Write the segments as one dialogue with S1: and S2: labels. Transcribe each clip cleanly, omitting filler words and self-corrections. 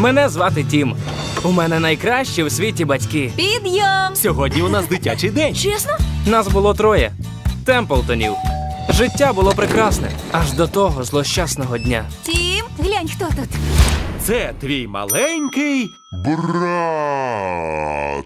S1: Мене звати Тім. У мене найкращі у світі батьки.
S2: Підйом!
S3: Сьогодні у нас дитячий день.
S2: Чесно?
S1: Нас було 3 Темплтонів. Життя було прекрасне, аж до того злощасного дня.
S2: Тім, глянь, хто тут.
S3: Це твій маленький...
S4: Брат.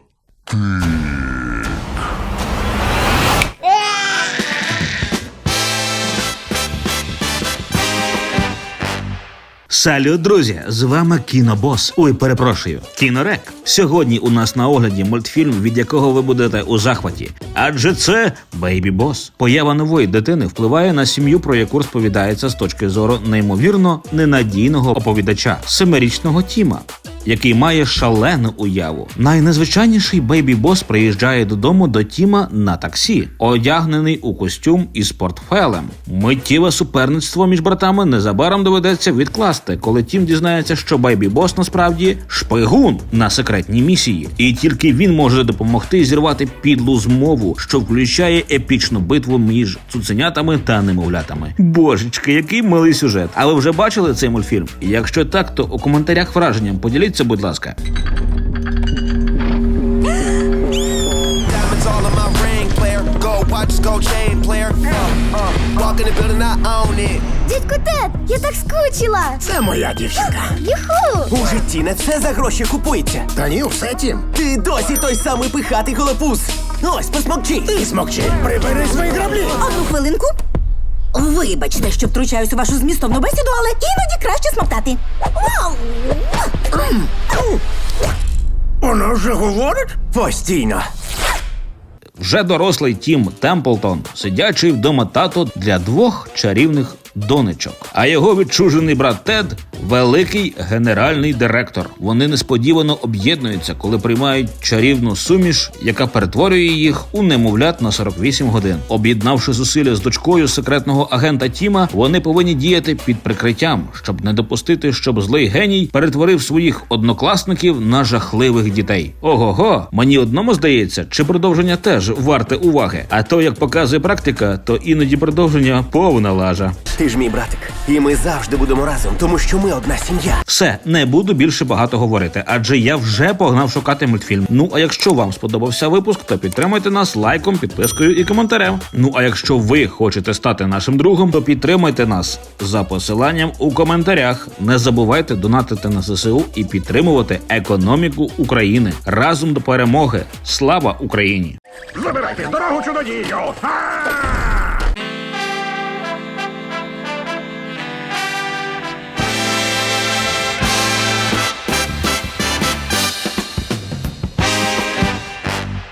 S5: Салют, друзі! З вами Кінобос. Ой, перепрошую, Кінорек. Сьогодні у нас на огляді мультфільм, від якого ви будете у захваті. Адже це Бейбі Бос. Поява нової дитини впливає на сім'ю, про яку розповідається з точки зору неймовірно ненадійного оповідача, 7-річного Тіма, який має шалену уяву. Найнезвичайніший Бейбі Бос приїжджає додому до Тіма на таксі, одягнений у костюм із портфелем. Миттєве суперництво між братами незабаром доведеться відкласти, коли Тім дізнається, що Бейбі Бос насправді шпигун на секретній місії. І тільки він може допомогти зірвати підлу змову, що включає епічну битву між цуценятами та немовлятами. Божечки, який милий сюжет. А ви вже бачили цей мультфільм? Якщо так, то у коментарях враженням поділіться, будь ласка.
S6: Дядько Тед, я так скучила!
S7: Це моя дівчинка.
S6: Юху!
S8: У житті не все за гроші купується.
S7: Та ні, все, Тім.
S8: Ти досі той самий пихатий голопус. Ось, посмокчи.
S7: Ти смокчи. Прибери свої граблі.
S2: Одну хвилинку. Вибачте, що втручаюсь у вашу змістовну бесіду, але іноді краще смоктати. Вау!
S7: Вона вже говорить?
S8: Постійно.
S5: Вже дорослий Тім Темплтон, сидячий вдома тато для 2 чарівних донечок. А його відчужений брат Тед – великий генеральний директор. Вони несподівано об'єднуються, коли приймають чарівну суміш, яка перетворює їх у немовлят на 48 годин. Об'єднавши зусилля з дочкою секретного агента Тіма, вони повинні діяти під прикриттям, щоб не допустити, щоб злий геній перетворив своїх однокласників на жахливих дітей. Ого-го, мені одному здається, чи продовження теж варте уваги. А то, як показує практика, то іноді продовження повна лажа.
S8: Ти ж мій братик. І ми завжди будемо разом, тому що ми одна сім'я.
S5: Все, не буду більше багато говорити, адже я вже погнав шукати мультфільм. Ну, а якщо вам сподобався випуск, то підтримайте нас лайком, підпискою і коментарем. Ну, а якщо ви хочете стати нашим другом, то підтримайте нас за посиланням у коментарях. Не забувайте донатити на ЗСУ і підтримувати економіку України. Разом до перемоги. Слава Україні!
S7: Забирайте дорогу чудодію.